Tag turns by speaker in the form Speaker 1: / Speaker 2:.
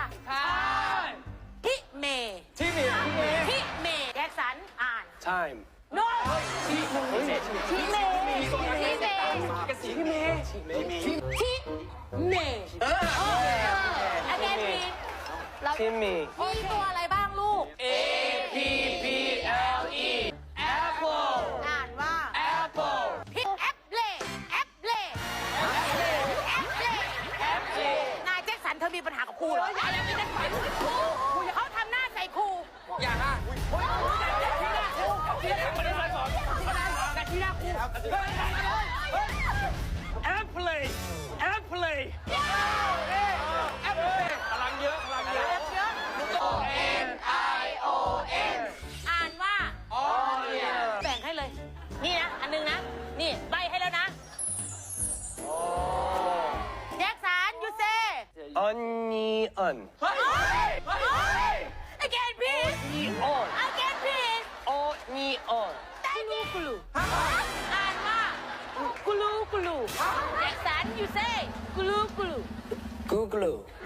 Speaker 1: ใช่
Speaker 2: พิเม
Speaker 1: ที่มีที่มี
Speaker 2: พิเมแจ็คสันอ่าน
Speaker 3: time
Speaker 2: โนพิเมพิเม
Speaker 1: กระสีที่มี
Speaker 2: พิเมagain please เรา
Speaker 3: timmy
Speaker 2: มีตัวอะไรบ้างลูก
Speaker 1: A P P L E apple
Speaker 2: อ่านว่า
Speaker 1: apple
Speaker 2: พิแอปเล่แอปเล่แอปเล่นายแจ็คสันเธอมีปัญหากับครูเหรอยังไม่ได้ไปเขาทำหน้าใส่ครู
Speaker 1: อย่าฮะที่หน้าครูที่หน้าไม่ได้มาสอนแต่ที่หน้าครู apple apple พลังเยอะพลังเยอะ N I O N
Speaker 2: อ่านว่า
Speaker 1: onion
Speaker 2: แบ่งให้เลย นี่นะ อันนึงนะ นี่ใบให้แล้วนะแจ็คสันยูเซ่
Speaker 3: onion
Speaker 2: again please
Speaker 3: onion
Speaker 2: again please
Speaker 3: onion
Speaker 2: กุลูอ่านว่ากุลูแจ็คสันยูเซ่กุลู
Speaker 3: Google